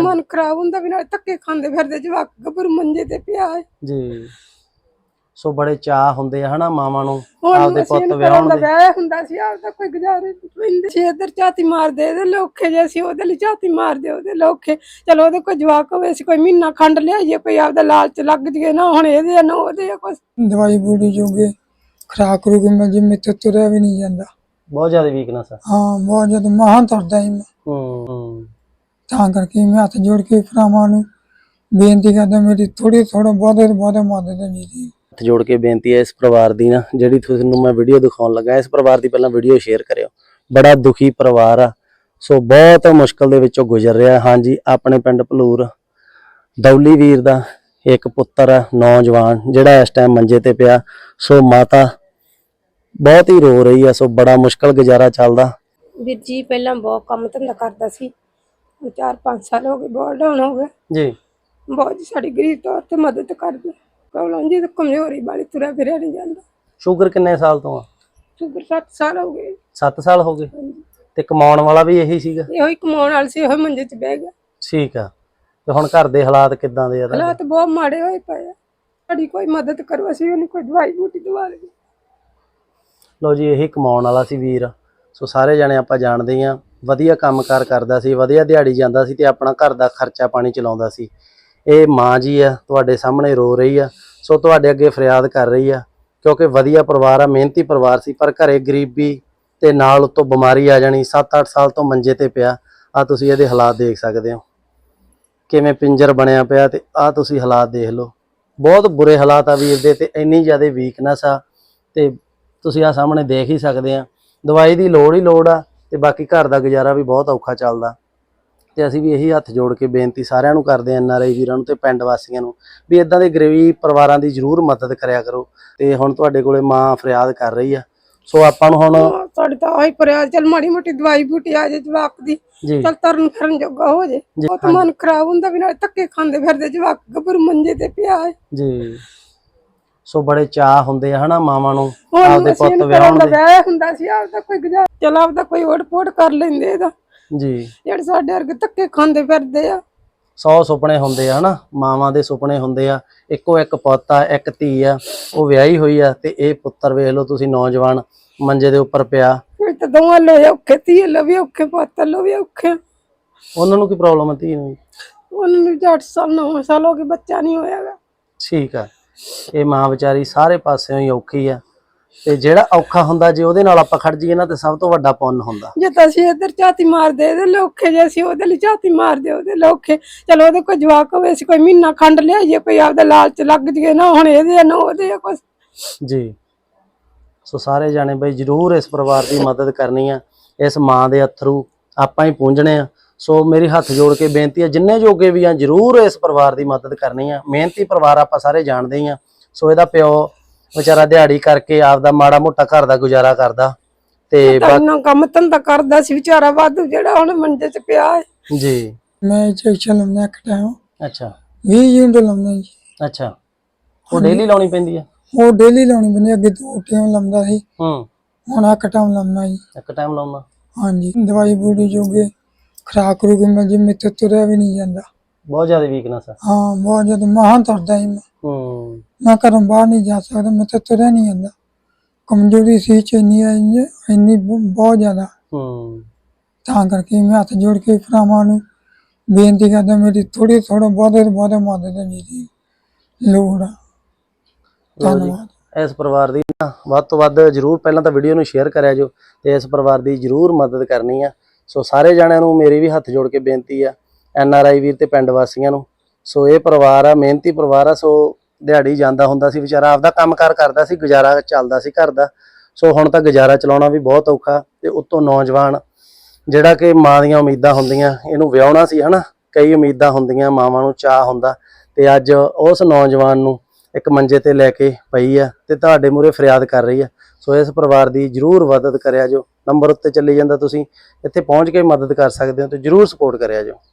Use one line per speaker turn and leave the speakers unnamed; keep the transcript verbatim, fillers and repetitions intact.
मन खराब हुंदा भी नाल धक्के खांदे फिरदे जवाक गभरू मंजे ते पिया है
जी। सो बड़े चाह हुंदे हना मावां नूं
ਹੁਣ
आपदे
ਅਸੀਂ
पुੱत
ਘਰਾਂ
विआहण
ਦਾ
दे।
ਵਿਆਹ ਹੁੰਦਾ ਸੀ ਆਪਦਾ ਕੋਈ ਗੁਜ਼ਾਰੇ ਨਹੀਂ ਪੈਂਦੇ ਸੀ ਇੱਧਰ ਝਾਤੀ ਮਾਰਦੇ ਇਹਦੇ ਲੋਖੇ ਜੇ ਅਸੀਂ ਉਹਦੇ ਲਈ ਝਾਤੀ ਮਾਰਦੇ ਉਹਦੇ ਲੋਖੇ ਚਲੋ ਉਹਦੇ ਕੋਈ ਜਵਾਕ ਹੋਵੇ ਅਸੀਂ ਕੋਈ ਮਹੀਨਾ ਖੰਡ ਲਿਆਈਏ ਕੋਈ ਆਪਦਾ ਲਾਲਚ ਲੱਗ ਜੀਏ ਨਾ ਹੁਣ ਇਹਦੇ ਆ ਨਾ ਉਹਦੇ ਆ ਕੁਛ ਦਵਾਈ ਬੂਟੀ ਜੋਗੇ ਖਰਾਕ ਰੂ ਕੇ ਮੈਂ ਜਿੰਮੇ ਤੇ ਤੁਰਿਆ ਵੀ ਨਹੀਂ ਜਾਂਦਾ
बहुत ज्यादा वीकनेस है।
ਹਾਂ ਬਹੁਤ ਜ਼ਿਆਦਾ ਮਹਾਂ ਤੁਰਦਾ ਹੀ ਮੈਂ
हम्म हम्म।
ਤਾਂ ਕਰਕੇ ਮੈਂ ਹੱਥ ਜੋੜ ਕੇ ਭਰਾਵਾਂ ਨੂੰ ਬੇਨਤੀ ਕਰਦਾ ਮੇਰੀ ਥੋੜੀ ਥੋੜਾ ਬਹੁਤੇ ਬਹੁਤੇ ਮਦਦ ਹੈ ਜੀ
ਹੱਥ ਜੋੜ ਕੇ ਬੇਨਤੀ ਹੈ ਇਸ ਪਰਿਵਾਰ ਦੀ ਨਾ ਜਿਹੜੀ ਤੁਹਾਨੂੰ ਮੈਂ ਵੀਡੀਓ ਦਿਖਾਉਣ ਲੱਗਾ ਇਸ ਪਰਿਵਾਰ ਦੀ ਪਹਿਲਾਂ ਵੀਡੀਓ ਸ਼ੇਅਰ ਕਰਿਓ। ਬੜਾ ਦੁਖੀ ਪਰਿਵਾਰ ਆ ਸੋ ਬਹੁਤ ਮੁਸ਼ਕਲ ਦੇ ਵਿੱਚੋਂ ਗੁਜ਼ਰ ਰਿਹਾ। ਹਾਂਜੀ ਆਪਣੇ ਪਿੰਡ ਭਲੂਰ ਦੌਲੀ ਵੀਰ ਦਾ ਇੱਕ ਪੁੱਤਰ ਆ ਨੌਜਵਾਨ ਜਿਹੜਾ ਇਸ ਟਾਈਮ ਮੰਜੇ ਤੇ ਪਿਆ। ਸੋ ਮਾਤਾ ਬਹੁਤ ਹੀ ਰੋ ਰਹੀ ਆ। ਸੋ ਬੜਾ ਮੁਸ਼ਕਲ ਗੁਜ਼ਾਰਾ ਚੱਲਦਾ।
ਵੀਰ ਜੀ ਪਹਿਲਾਂ ਬਹੁਤ ਕੰਮ ਧੰਦਾ ਕਰਦਾ ਸੀ ਚਾਰ ਪੰਜ ਸਾਲ ਹੋ ਗਏ ਬਹੁਤ ਡਾਊਨ ਹੋ ਗਿਆ
ਜੀ।
ਬਹੁਤ ਜੀ ਸਾਡੀ ਗਰੀਬ ਤੌਰ ਤੇ ਮਦਦ ਕਰਦੇ ਪ੍ਰੋਬਲਮ ਜੀ ਕਮਜ਼ੋਰੀ ਵਾਲੀ ਤੁਰਿਆ ਫਿਰਿਆ ਨਹੀਂ ਜਾਂਦਾ।
ਸ਼ੂਗਰ ਕਿੰਨੇ ਸਾਲ ਤੋਂ ਆ?
ਸ਼ੂਗਰ ਸੱਤ ਸਾਲ ਹੋ ਗਏ।
ਸੱਤ ਸਾਲ ਹੋ ਗਏ ਤੇ ਕਮਾਉਣ ਵਾਲਾ ਵੀ ਇਹੀ ਸੀਗਾ?
ਇਹੋ ਹੀ ਕਮਾਉਣ ਵਾਲਾ ਸੀ ਇਹੋ ਮੰਜੇ 'ਚ ਬਹਿ ਗਿਆ।
ਠੀਕ ਆ ਤੇ ਹੁਣ ਘਰ ਦੇ ਹਾਲਾਤ ਕਿੱਦਾਂ ਦੇ ਆ?
ਹਾਲਾਤ ਬਹੁਤ ਮਾੜੇ ਹੋਏ ਪਏ ਆ ਸਾਡੀ ਕੋਈ ਮਦਦ ਕਰੋ ਅਸੀਂ ਉਹਨੂੰ ਕੋਈ ਦਵਾਈ ਬੂਟੀ ਦਵਾ ਲਈਏ।
ਲੋ ਜੀ ਇਹੀ ਕਮਾਉਣ ਵਾਲਾ ਸੀ ਵੀਰ। ਸੋ ਸਾਰੇ ਜਾਣੇ ਆਪਾਂ ਜਾਣਦੇ ਹਾਂ ਵਧੀਆ ਕੰਮਕਾਰ ਕਰਦਾ ਸੀ ਵਧੀਆ ਦਿਹਾੜੀ ਜਾਂਦਾ ਸੀ ਤੇ ਆਪਣਾ ਘਰ ਦਾ ਖਰਚਾ ਪਾਣੀ ਚਲਾਉਂਦਾ ਸੀ। ਇਹ ਮਾਂ ਜੀ ਆ ਤੁਹਾਡੇ ਸਾਹਮਣੇ ਰੋ ਰਹੀ ਆ। ਸੋ ਤੁਹਾਡੇ ਅੱਗੇ ਫਰਿਆਦ ਕਰ ਰਹੀ ਆ ਕਿਉਂਕਿ ਵਧੀਆ ਪਰਿਵਾਰ ਆ ਮਿਹਨਤੀ ਪਰਿਵਾਰ ਸੀ ਪਰ ਘਰੇ ਗਰੀਬੀ ਤੇ ਨਾਲ ਉਤੋਂ ਬਿਮਾਰੀ ਆ ਜਾਣੀ। ਸੱਤ ਅੱਠ ਸਾਲ ਤੋਂ ਮੰਜੇ ਤੇ ਪਿਆ। ਆ ਤੁਸੀਂ ਇਹਦੇ ਹਾਲਾਤ ਦੇਖ ਸਕਦੇ ਹੋ ਕਿਵੇਂ ਪਿੰਜਰ ਬਣਿਆ ਪਿਆ ਤੇ ਆ ਤੁਸੀਂ ਹਾਲਾਤ ਦੇਖ ਲਓ ਬਹੁਤ ਬੁਰੇ ਹਾਲਾਤ ਆ ਵੀਰ ਦੇ ਤੇ ਇੰਨੀ ਜ਼ਿਆਦਾ ਵੀਕਨੈਸ ਆ ਤੇ ਤੁਸੀਂ ਆ ਸਾਹਮਣੇ ਦੇਖ ਹੀ ਸਕਦੇ ਆ। ਦਵਾਈ ਦੀ ਲੋੜ ਹੀ ਲੋੜ ਆ ਤੇ ਬਾਕੀ ਘਰ ਦਾ ਗੁਜ਼ਾਰਾ ਵੀ ਬਹੁਤ ਔਖਾ ਚੱਲਦਾ ਤੇ ਅਸੀਂ ਵੀ ਇਹੀ ਹੱਥ ਜੋੜ ਕੇ ਬੇਨਤੀ ਸਾਰਿਆਂ ਨੂੰ ਕਰਦੇ ਐਨ ਆਰ ਆਈ ਵੀਰਾਂ ਨੂੰ ਤੇ ਪਿੰਡ ਵਾਸੀਆਂ ਨੂੰ ਵੀ ਇਦਾਂ ਦੇ ਗਰੀਬ ਪਰਿਵਾਰਾਂ ਦੀ ਜ਼ਰੂਰ ਮਦਦ ਕਰਿਆ ਕਰੋ। ਤੇ ਹੁਣ ਤੁਹਾਡੇ ਕੋਲੇ ਮਾਂ ਫਰਿਆਦ ਕਰ ਰਹੀ ਆ। ਸੋ ਆਪਾਂ ਨੂੰ ਹੁਣ ਸਾਡੀ ਤਾਂ ਆਹੀ ਫਰਿਆਦ ਚੱਲ ਮਾੜੀ ਮੋਟੀ ਦਵਾਈ ਬੂਟੀ ਆ ਜੇ ਜਵਾਕ ਦੀ ਚੱਲ ਤਰਨ ਫਿਰਨ ਜੋਗਾ ਹੋ ਜੇ। ਬਹੁਤ ਮਨ ਖਰਾਬ ਹੁੰਦਾ ਵੀ ਨਾਲ ਧੱਕੇ ਖਾਂਦੇ ਫਿਰਦੇ ਜਵਾਕ ਗਭਰੂ ਮੰਜੇ ਤੇ ਪਿਆ ਹੈ ਜੀ। ਸੋ ਬੜੇ ਚਾਹ ਹੁੰਦੇ ਆ ਹਨਾ ਮਾਵਾਂ ਨੂੰ
ਆਪਦੇ ਪੁੱਤ ਵਿਆਹਣ ਦੇ। ਵਿਆਹ ਹੁੰਦਾ ਸੀ ਆਪਦਾ ਕੋਈ ਗੁਜ਼ਾਰਾ ਚਲ ਆਪਦਾ ਕੋਈ ਓਟ ਪੋਟ ਕਰ ਲੈਂਦੇ ਇਹਦਾ
ਜੀ
ਜਿਹੜੇ ਸਾਡੇ ਵਰਗੇ ਧੱਕੇ ਖਾਂਦੇ ਫਿਰਦੇ ਆ।
ਸੌ ਸੁਪਨੇ ਹੁੰਦੇ ਆ ਹਨਾ ਮਾਵਾਂ ਦੇ ਸੁਪਨੇ ਹੁੰਦੇ ਆ। ਇੱਕੋ ਇੱਕ ਪੁੱਤ ਆ ਇੱਕ ਧੀ ਆ ਉਹ ਵਿਆਹੀ ਹੋਈ ਆ ਤੇ ਇਹ ਪੁੱਤਰ ਵੇਖ ਲਓ ਤੁਸੀਂ ਨੌਜਵਾਨ ਮੰਜੇ ਦੇ ਉੱਪਰ ਪਿਆ।
ਤੇ ਦੋਵਾਂ ਲੋਏ ਔਖੇ ਧੀ ਲੋ ਵੀ ਔਖੇ ਪੁੱਤ ਲੋ ਵੀ ਔਖੇ।
ਉਹਨਾਂ ਨੂੰ ਕੀ ਪ੍ਰੋਬਲਮ ਆ ਧੀ ਨੂੰ?
ਉਹਨਾਂ ਨੂੰ ਅੱਠ ਸਾਲ ਨੌ ਸਾਲ ਹੋ ਗਏ ਬੱਚਾ ਨਹੀਂ ਹੋਇਆਗਾ।
ਠੀਕ ਆ ਇਹ ਮਾਂ ਵਿਚਾਰੀ ਸਾਰੇ ਪਾਸਿਓਂ ਹੀ ਔਖੀ ਆ ਤੇ ਜਿਹੜਾ ਔਖਾ ਹੁੰਦਾ ਜੇ ਉਹਦੇ ਨਾਲ ਆਪਾਂ ਖੜ ਜਾਈਏ ਨਾ ਤੇ ਸਭ ਤੋਂ ਵੱਡਾ ਪੁੰਨ ਹੁੰਦਾ। ਜੇ ਤਾਂ ਅਸੀਂ ਇੱਧਰ ਝਾਤੀ ਮਾਰਦੇ ਇਹਦੇ ਲੋਖੇ ਜੇ ਅਸੀਂ ਉਹਦੇ ਲਈ ਝਾਤੀ ਮਾਰਦੇ ਉਹਦੇ ਲੋਖੇ ਚਲੋ ਉਹਦੇ ਕੋਈ ਜਵਾਕ ਹੋਵੇ ਅਸੀਂ ਕੋਈ ਮਹੀਨਾ ਖੰਡ ਲਿਆਈਏ ਕੋਈ ਆਪਦਾ ਲਾਲਚ ਲੱਗ ਜੀਏ ਨਾ ਹੁਣ ਇਹਦੇ ਆ ਨਾ ਉਹਦੇ ਆ ਕੁਛ ਜੀ। ਸੋ ਸਾਰੇ ਜਾਣੇ ਬਈ ਜ਼ਰੂਰ ਇਸ ਪਰਿਵਾਰ ਦੀ ਮਦਦ ਕਰਨੀ ਆ। ਇਸ ਮਾਂ ਦੇ ਅਥਰੂ ਆਪਾਂ ਹੀ ਪੂੰਝਣੇ ਆ। ਸੋ ਮੇਰੀ ਹੱਥ ਜੋੜ ਕੇ ਬੇਨਤੀ ਹੈ ਜਿੰਨੇ ਜੋਗੇ ਵੀ ਆ ਜ਼ਰੂਰ ਇਸ ਪਰਿਵਾਰ ਦੀ ਮਦਦ ਕਰਨੀ ਆ। ਮਿਹਨਤੀ ਪਰਿਵਾਰ ਆਪਾਂ ਸਾਰੇ ਜਾਣਦੇ ਹੀ ਆ। ਸੋ ਇਹਦਾ ਪਿਓ ਵਿਚਾਰਾ ਦਿਹਾੜੀ ਕਰਕੇ ਆਪਦਾ ਮਾੜਾ ਮੋਟਾ ਘਰ ਦਾ ਗੁਜ਼ਾਰਾ ਕਰਦਾ ਤੇ ਕੰਮ ਧੰਦਾ ਕਰਦਾ ਸੀ ਵਿਚਾਰਾ ਵਾਧੂ ਜਿਹੜਾ ਹੁਣ ਮੰਜੇ 'ਚ ਪਿਆ ਹੈ ਜੀ। ਮੈਂ ਇੰਜੈਕਸ਼ਨ ਲਾਉਂਦਾ ਇੱਕ ਟਾਈਮ। ਅੱਛਾ ਵੀਹ ਯੂਨਿਟ ਲਾਉਂਦਾ ਜੀ। ਅੱਛਾ ਉਹ ਡੇਲੀ ਲਾਉਣੀ ਪੈਂਦੀ ਆ? ਉਹ ਡੇਲੀ ਲਾਉਣੀ ਪੈਂਦੀ ਅੱਗੇ ਦੋ ਟਾਈਮ ਲਾਉਂਦਾ ਸੀ ਹੂੰ ਹੁਣ ਇੱਕ ਟਾਈਮ ਲਾਉਂਦਾ ਜੀ। ਇੱਕ ਟਾਈਮ ਲਾਉਂਦਾ ਹਾਂਜੀ। ਦਵਾਈ ਬੂਟੀ ਜੋਗੇ ਖਰਾਕ ਰੂ ਕੇ ਮੈਂ ਜਿੰਮੇ ਤੇ ਤੁਰਿਆ ਵੀ ਨਹੀਂ ਜਾਂਦਾ। ਬਹੁਤ ਜ਼ਿਆਦਾ ਵੀਕਨੈਸ ਆ? ਹਾਂ ਬਹੁਤ ਜ਼ਿਆਦਾ ਮਹਾਂ ਤੁਰਦਾ ਸੀ ਮੈਂ। ਹੂੰ ਮੈਂ ਘਰੋਂ ਬਾਹਰ ਨਹੀਂ ਜਾ ਸਕਦਾ ਮੈਂ ਤੇ ਤੁਰਿਆ ਨਹੀਂ ਜਾਂਦਾ। ਕਮਜ਼ੋਰੀ ਸੀ ਚ ਇੰਨੀ ਇੰਨੀ ਬਹੁਤ ਜ਼ਿਆਦਾ ਹੂੰ ਤਾਂ ਕਰਕੇ ਮੈਂ ਹੱਥ ਜੋੜ ਕੇ ਭਰਾਵਾਂ ਨੂੰ ਬੇਨਤੀ ਕਰਦਾ ਮੇਰੀ ਥੋੜੀ ਥੋੜਾ ਬਹੁਤੇ ਬਹੁਤੇ ਮਦਦ ਹੈ ਜੀ ਲੋੜ ਆ। ਧੰਨਵਾਦ। ਇਸ ਪਰਿਵਾਰ ਦੀ ਨਾ ਵੱਧ ਤੋਂ ਵੱਧ ਜ਼ਰੂਰ ਪਹਿਲਾਂ ਤਾਂ ਵੀਡੀਓ ਨੂੰ ਸ਼ੇਅਰ ਕਰਿਆ ਜੋ ਤੇ ਇਸ ਪਰਿਵਾਰ ਦੀ ਜ਼ਰੂਰ ਮਦਦ ਕਰਨੀ ਆ। ਸੋ ਸਾਰੇ ਜਣਿਆਂ ਨੂੰ ਮੇਰੀ ਵੀ ਹੱਥ ਜੋੜ ਕੇ ਬੇਨਤੀ ਆ ਐਨ ਆਰ ਆਈ ਵੀਰ ਤੇ ਪਿੰਡ ਵਾਸੀਆਂ ਨੂੰ। ਸੋ ਇਹ ਪਰਿਵਾਰ ਆ ਮਿਹਨਤੀ ਪਰਿਵਾਰ ਆ। ਸੋ ਦਿਹਾੜੀ ਜਾਂਦਾ ਹੁੰਦਾ ਸੀ ਵਿਚਾਰਾ ਆਪਦਾ ਕੰਮਕਾਰ ਕਰਦਾ ਸੀ ਗੁਜ਼ਾਰਾ ਚੱਲਦਾ ਸੀ ਘਰ ਦਾ। ਸੋ ਹੁਣ ਤਾਂ ਗੁਜ਼ਾਰਾ ਚਲਾਉਣਾ ਵੀ ਬਹੁਤ ਔਖਾ ਤੇ ਉੱਤੋਂ ਨੌਜਵਾਨ ਜਿਹੜਾ ਕਿ ਮਾਂ ਦੀਆਂ ਉਮੀਦਾਂ ਹੁੰਦੀਆਂ ਇਹਨੂੰ ਵਿਆਹੁਣਾ ਸੀ ਹਨਾ ਕਈ ਉਮੀਦਾਂ ਹੁੰਦੀਆਂ ਮਾਵਾਂ ਨੂੰ ਚਾਹ ਹੁੰਦਾ ਤੇ ਅੱਜ ਉਸ ਨੌਜਵਾਨ ਨੂੰ ਇੱਕ ਮੰਜੇ ਤੇ ਲੈ ਕੇ ਪਈ ਆ ਤੇ ਤੁਹਾਡੇ ਮੂਹਰੇ ਫਰਿਆਦ ਕਰ ਰਹੀ ਆ। ਸੋ ਇਸ ਪਰਿਵਾਰ ਦੀ ਜ਼ਰੂਰ ਮਦਦ ਕਰਿਆ ਜੋ। ਨੰਬਰ ਉੱਤੇ ਚੱਲੀ ਜਾਂਦਾ ਤੁਸੀਂ ਇੱਥੇ ਪਹੁੰਚ ਕੇ ਮਦਦ ਕਰ ਸਕਦੇ ਹੋ ਤੇ ਜ਼ਰੂਰ ਸਪੋਰਟ ਕਰਿਆ ਜੋ।